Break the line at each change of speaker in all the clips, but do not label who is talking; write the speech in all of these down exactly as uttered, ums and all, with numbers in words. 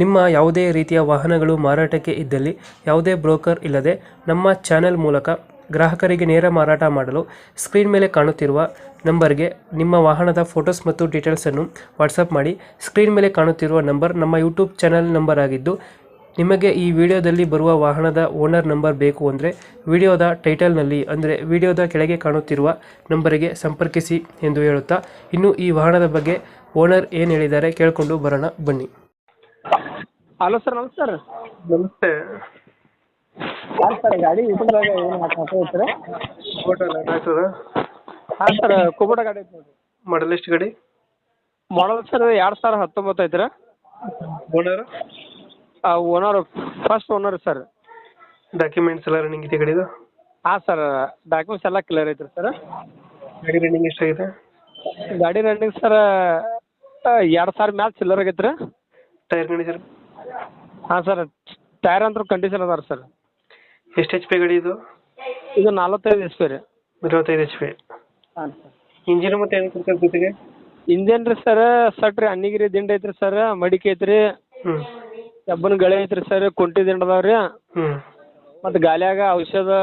ನಿಮ್ಮ ಯಾವುದೇ ರೀತಿಯ ವಾಹನಗಳು ಮಾರಾಟಕ್ಕೆ ಇದ್ದಲ್ಲಿ ಯಾವುದೇ ಬ್ರೋಕರ್ ಇಲ್ಲದೆ ನಮ್ಮ ಚಾನೆಲ್ ಮೂಲಕ ಗ್ರಾಹಕರಿಗೆ ನೇರ ಮಾರಾಟ ಮಾಡಲು ಸ್ಕ್ರೀನ್ ಮೇಲೆ ಕಾಣುತ್ತಿರುವ ನಂಬರ್ಗೆ ನಿಮ್ಮ ವಾಹನದ ಫೋಟೋಸ್ ಮತ್ತು ಡೀಟೇಲ್ಸನ್ನು ವಾಟ್ಸಪ್ ಮಾಡಿ. ಸ್ಕ್ರೀನ್ ಮೇಲೆ ಕಾಣುತ್ತಿರುವ ನಂಬರ್ ನಮ್ಮ ಯೂಟ್ಯೂಬ್ ಚಾನೆಲ್ ನಂಬರ್ ಆಗಿದ್ದು, ನಿಮಗೆ ಈ ವಿಡಿಯೋದಲ್ಲಿ ಬರುವ ವಾಹನದ ಓನರ್ ನಂಬರ್ ಬೇಕು ಅಂದರೆ ವಿಡಿಯೋದ ಟೈಟಲ್ನಲ್ಲಿ ಅಂದರೆ ವಿಡಿಯೋದ ಕೆಳಗೆ ಕಾಣುತ್ತಿರುವ ನಂಬರಿಗೆ ಸಂಪರ್ಕಿಸಿ ಎಂದು ಹೇಳುತ್ತಾ, ಇನ್ನು ಈ ವಾಹನದ ಬಗ್ಗೆ ಓನರ್ ಏನು ಹೇಳಿದ್ದಾರೆ ಕೇಳಿಕೊಂಡು ಬರೋಣ ಬನ್ನಿ.
ಹಲೋ ಸರ್, ನಮಸ್ಕಾರ.
ನಮಸ್ತೆ.
ಹಾಂ ಸರ್, ಗಾಡಿ ಯೂಟ್ಯೂಬ್ದಾಗ ಏನು ಹಾಕ್ತಾರೆ? ಹಾಂ ಸರ್, ಕುಬೋಟ ಗಾಡಿ ಐತೆ ನೋಡಿರಿ.
ಮಾಡಲ್ ಎಷ್ಟು ಗಾಡಿ?
ಮಾಡಲ್ ಸರ್ ಎರಡು ಸಾವಿರ ಹತ್ತೊಂಬತ್ತು ಐತ್ರಿ.
Owner
owner first owner sir.
Documents ಎಲ್ಲ ರನ್ನಿಂಗ್ ಇದೆ ಗಾಡಿದು?
ಹಾಂ ಸರ್, ಡಾಕ್ಯುಮೆಂಟ್ಸ್ ಎಲ್ಲ ಕ್ಲಿಯರ್ ಐತ್ರಿ ಸರ್.
ಗಾಡಿ ರನ್ನಿಂಗ್ ಎಷ್ಟಾಗಿದೆ?
ಗಾಡಿ ರನ್ನಿಂಗ್ ಸರ್ ಎರಡು ಸಾವಿರ ಮ್ಯಾಲೆ ಚಿಲ್ಲರ್ ಆಗೈತೆ ರೀ.
Tyre condition?
ಹಾಂ ಸರ್, ಟೈರ್ ಅಂತೂ ಕಂಡೀಷನ್ ಅದಾರ ಸರ್.
ಎಷ್ಟು ಎಚ್ ಪಿ ಗಾಡಿ ಇದು?
ಇದು ನಲ್ವತ್ತೈದು ಎಚ್ ಪಿ ರೀ.
ನಲವತ್ತೈದು ಎಚ್ ಪಿ.
ಹಾಂ ಸರ್.
ಇಂಜಿನ್ ಮತ್ತೆ ಏನು ಕೊಡ್ತಾರೆ ಜೊತೆಗೆ?
ಇಂಜನ್ ರೀ ಸರ್, ಸಟ್ ರೀ, ಅನ್ನಿಗಿರಿ ದಿಂಡು ಐತ್ರಿ ಸರ್, ಮಡಿಕೆ ಐತ್ರಿ,
ಹ್ಞೂ
ಕಬ್ಬನ ಗಳೆ ಐತ್ರಿ ಸರ್, ಕುಂಟಿ ದಿಂಡು ಅದಾವ ರೀ,
ಹ್ಞೂ
ಮತ್ತು ಗಾಲಿಯಾಗ ಔಷಧ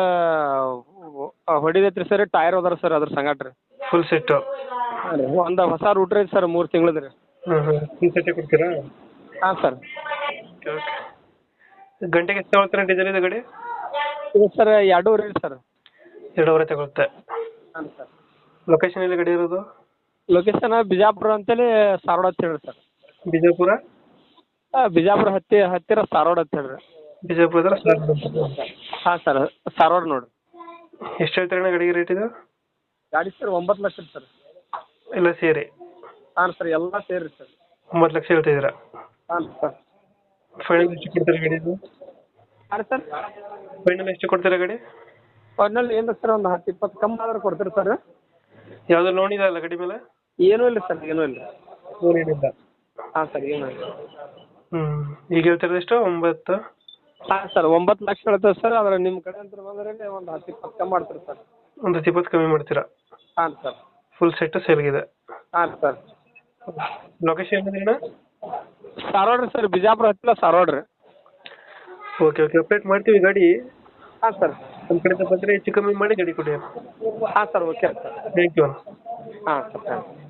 ಹೊಡಿದೈತ್ರಿ ಸರ್. ಟೈರ್ ಅದಾರ ಸರ್ ಅದ್ರ ಸಂಗಟ ರೀ.
Full set?
ಹಾಂ ರೀ, ಒಂದು ಹೊಸ ರೂಟ್ರ್ ಐತೆ ಸರ್, ಮೂರು ತಿಂಗಳದ ರೀ.
ಹಾಂ ಹಾಂ ಫುಲ್ ಸೆಟ್ಟೇ ಕೊಡ್ತೀರಾ?
ಹಾಂ ಸರ್.
Okay okay. ಗಂಟೆಗೆ ಎಷ್ಟು ತಗೊಳ್ತಾರೆ ಡೀಸೆಲ್ ಇದು ಗಾಡಿ?
ಇದು ಸರ್ ಎರಡೂವರೆ ರೀ ಸರ್.
ಎರಡೂವರೆ ತಗೊಳುತ್ತೆ.
ಹಾಂ ಸರ್.
ಲೊಕೇಶನ್ ಎಲ್ಲಿ ಗಾಡಿ ಇರೋದು?
ಲೊಕೇಶನ್ ಬಿಜಾಪುರ ಅಂತೇಳಿ ಸಾರೋಡ್ ಅಂತ ಹೇಳ್ರಿ ಸರ್.
ಬಿಜಾಪುರ?
ಹಾಂ, ಬಿಜಾಪುರ ಹತ್ತಿ ಹತ್ತಿರ ಸಾರೋಡ್ ಅಂತ ಹೇಳ್ರಿ.
ಬಿಜಾಪುರದಲ್ಲಿ ಸಾರ್?
ಹಾಂ ಸರ್, ಸಾರೋಡ್ ನೋಡಿರಿ.
ಎಷ್ಟು ಹೇಳ್ತಾರೆ ಗಾಡಿಗೆ ರೇಟ್ ಇದು?
ಗಾಡಿ ಸರ್ ಒಂಬತ್ತು ಲಕ್ಷ ಸರ್.
ಎಲ್ಲ ಸೇರಿ?
ಹಾಂ ಸರ್, ಎಲ್ಲ ಸೇರಿ ಸರ್.
ಒಂಬತ್ತು ಲಕ್ಷ ಹೇಳ್ತಿದ್ದೀರಾ?
ಹಾಂ ಸರ್.
ಫೈನಲ್ ಎಷ್ಟು ಕೊಡ್ತೀರಾ ಗಾಡಿದು?
ಹಾಂ ಸರ್,
ಫೈನಲ್ ಎಷ್ಟು ಕೊಡ್ತೀರಾ ಗಾಡಿ?
ಫೈನಲ್ ಏನು ಸರ್, ಒಂದು ಹತ್ತು ಇಪ್ಪತ್ತು ಕಮ್ಮಿ ಆದ್ರೆ ಕೊಡ್ತೀರಿ ಸರ್.
ಯಾವುದು ಲೋನ್ ಇದೆ ಅಲ್ಲ ಗಾಡಿ ಮೇಲೆ?
ಏನೂ ಇಲ್ಲ ಸರ್, ಏನೂ ಇಲ್ಲ.
ಲೋನ್ ಏನಿಲ್ಲ?
ಹಾಂ ಸರ್, ಏನೂ ಇಲ್ಲ.
ಹ್ಞೂ ಈಗ ಹೇಳ್ತಿರೋದು ಎಷ್ಟು? ಒಂಬತ್ತು?
ಹಾಂ ಸರ್, ಒಂಬತ್ತು ಲಕ್ಷ ಹೇಳ್ತೇವೆ ಸರ್. ಆದ್ರೆ ನಿಮ್ಮ ಕಡೆ ಅಂತ ಬಂದ್ರೆ ಒಂದು ಹತ್ತು ಇಪ್ಪತ್ತು ಕಮ್ಮಿ ಮಾಡ್ತೀರಿ ಸರ್.
ಒಂದು ಹತ್ತು ಇಪ್ಪತ್ತು ಕಮ್ಮಿ ಮಾಡ್ತೀರಾ?
ಹಾಂ ಸರ್.
Full set ಸೇಲ್ಗಿದೆ?
ಹಾಂ ಸರ್.
ಲೊಕೇಶನ್ ಏನಿದೆ?
ಸಾರೋಡ್ ರೀ ಸರ್, ಬಿಜಾಪುರ ಹತ್ತಿರ ಸಾರೋಡ್ ರೀ.
ಓಕೆ ಓಕೆ, ಅಪ್ಡೇಟ್ ಮಾಡ್ತೀವಿ ಗಾಡಿ.
ಹಾಂ ಸರ್.
ನಮ್ಮ ಕಡೆಯಿಂದ ಬಂದರೆ ಹೆಚ್ಚು ಕಮ್ಮಿ ಮಾಡಿ ಗಾಡಿ ಕೊಡಿ.
ಹಾಂ sir, okay sir.
Thank you.
ಹಾಂ ಸರ್.